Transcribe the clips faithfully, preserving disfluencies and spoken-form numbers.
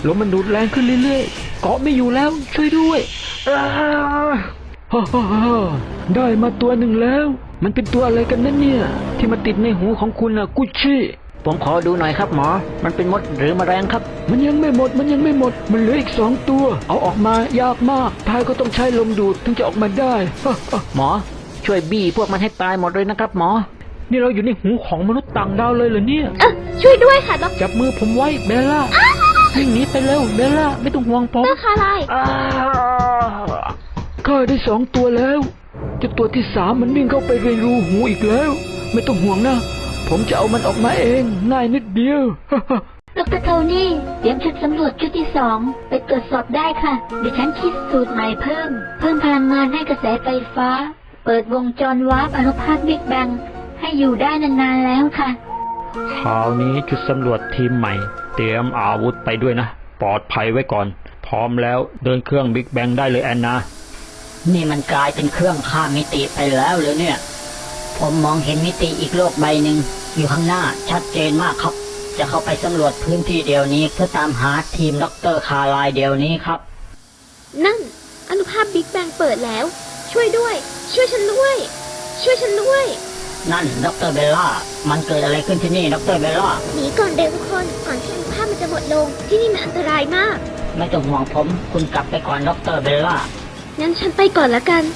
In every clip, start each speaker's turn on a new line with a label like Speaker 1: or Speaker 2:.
Speaker 1: ลมมันดูดแรงขึ้นเรื่อยๆเกาะไม่อยู่แล้วช่วยด้วยฮ่าฮ่าฮ่าได้มาตัวหนึ่งแล้วมันเป็นตัวอะไรกันนั่นเนี่ยที่มาติดในหูของคุณอะกุชชี่
Speaker 2: ผมขอดูหน่อยครับหมอมันเป็นมดหรือแมลงครับ
Speaker 1: มันยังไม่หมดมันยังไม่หมดมันเหลืออีกสองตัวเอาออกมายากมากพายก็ต้องใช้ลมดูดถึงจะออกมาได้
Speaker 2: หมอช่วยบี้พวกมันให้ตายหมดเลยนะครับหมอ
Speaker 1: นี่เราอยู่ในหูของมนุษย์ต่างดาวเลยเหรอเนี่ย
Speaker 3: เออช่วยด้วยค่ะดร
Speaker 1: จับมือผมไว้เบลล่าวิ่งหนีไปเร็วเบลล่าไม่ต้องห่วงผม
Speaker 3: ดรคาไล
Speaker 1: ข้าได้สองตัวแล้วจะตัวที่สามมันวิ่งเข้าไปในรูหูอีกแล้วไม่ต้องห่วงนะผมจะเอามันออกมาเองง่ายนิดเดียว
Speaker 3: ดรโทนี่เตรียมชุดสำรวจชุดที่สองไปตรวจสอบได้ค่ะดิฉันคิดสูตรใหม่เพิ่มเพิ่มพลังงานให้กระแสไฟฟ้าเปิดวงจรวาร์ปอนุภาคบิ๊กแบงให้อยู่ได้นานๆแล้วค่ะ
Speaker 1: คราวนี้ชุดสำรวจทีมใหม่เตรียมอาวุธไปด้วยนะปลอดภัยไว้ก่อนพร้อมแล้วเดินเครื่องบิ๊กแบงได้เลยแอนนา
Speaker 2: นี่มันกลายเป็นเครื่องข้ามมิติไปแล้วเลยเนี่ยผมมองเห็นมิติอีกโลกใบหนึ่งอยู่ข้างหน้าชัดเจนมากครับจะเข้าไปสำรวจพื้นที่เดียวนี้เพื่อตามหาทีมดรคาร์ไลน์เดียวนี้ครับ
Speaker 3: นั่นอนุภาคบิ๊กแบงเปิดแล้วช่วยด้วยช่วยฉันด้วยช่วยฉันด้วย
Speaker 2: นั่นดรเบลล่ามันเกิดอะไรขึ้นที่นี่ดรเบลล่า
Speaker 3: หนีก่อนเด็กทุกคนก่อนที่อนุภาคมันจะหมดลงที่นี่มันอันตรายมาก
Speaker 2: ไม่ต้องห่วงผมคุณกลับไปก่อนดรเบลล่า
Speaker 3: งั้นฉันไปก่อนละกัน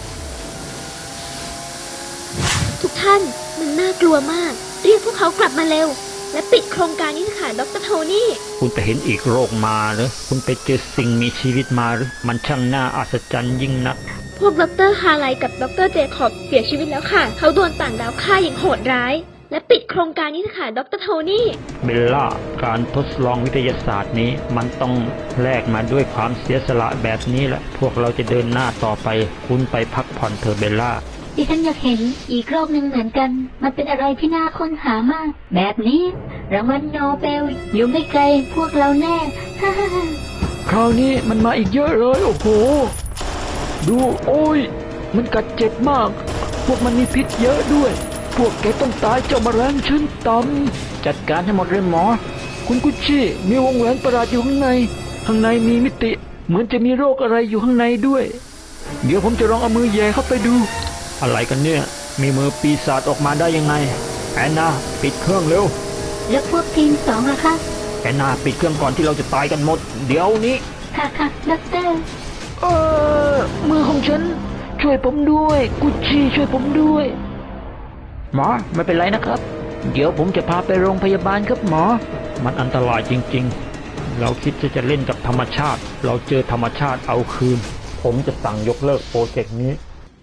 Speaker 3: ทุกท่านมันน่ากลัวมากเรียกพวกเขากลับมาเร็วและปิดโครงการนี้ค่ะดรโทนี่
Speaker 1: คุณไปเห็นอีกโรคมาหรือคุณไปเจอสิ่งมีชีวิตมาหรือมันช่างน่าอัศจรรย์ยิ่งนัก
Speaker 3: พวกดรคาร์ไลกับดรเจคอบเสียชีวิตแล้วค่ะเขาโดนต่างดาวฆ่าอย่างโหดร้ายและปิดโครงการนี้ค่ะดรโทนี่
Speaker 1: เบลล่าการทดลองวิทยาศาสตร์นี้มันต้องแลกมาด้วยความเสียสละแบบนี้แหละพวกเราจะเดินหน้าต่อไปคุณไปพักผ่อนเถอะเบลล่า
Speaker 3: ดิฉันอยากเห็นอีกโลกหนึ่งเหมือนกันมันเป็นอะไรที่น่าค้นหามากแบบนี้รางวัลโนเบลอยู่ไม่ไกลพวกเราแน่
Speaker 1: คราวนี้มันมาอีกเยอะเลยโอ้โหดูโอ้ยมันกัดเจ็บมากพวกมันมีพิษเยอะด้วยพวกแกต้องตายเจ้าแมลงชั้นต่ำจัดการให้หมดเลยหมอคุณกุชชี่มีวงแหวนประหลาดอยู่ข้างในข้างในมีมิติเหมือนจะมีโรคอะไรอยู่ข้างในด้วยเดี๋ยวผมจะลองเอามือแย่เข้าไปดูอะไรกันเนี่ยมีมือปีศาจออกมาได้ยังไงแอนนาปิดเครื่องเร็ว
Speaker 3: แล้วพวกทีมสองล่ะคะ
Speaker 1: แอนนาปิดเครื่องก่อนที่เราจะตายกันหมดเดี๋ยวนี้
Speaker 3: ค่ะค่ะด็อกเตอร์
Speaker 1: เออมือของฉันช่วยผมด้วยกุชชี่ช่วยผมด้วยหมอไม่เป็นไรนะครับเดี๋ยวผมจะพาไปโรงพยาบาลครับหมอมันอันตรายจริงๆเราคิดจะจะเล่นกับธรรมชาติเราเจอธรรมชาติเอาคืนผมจะสั่งยกเลิกโปรเจกต์นี้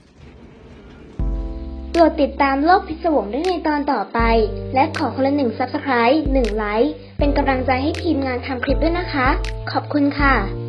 Speaker 3: โปรดติดตามโลกพิศวงได้ในตอนต่อไปและขอคนละหนึ่ง ซับสไครบ์ หนึ่ง ไลค์เป็นกำลังใจให้ทีมงานทำคลิปด้วยนะคะขอบคุณค่ะ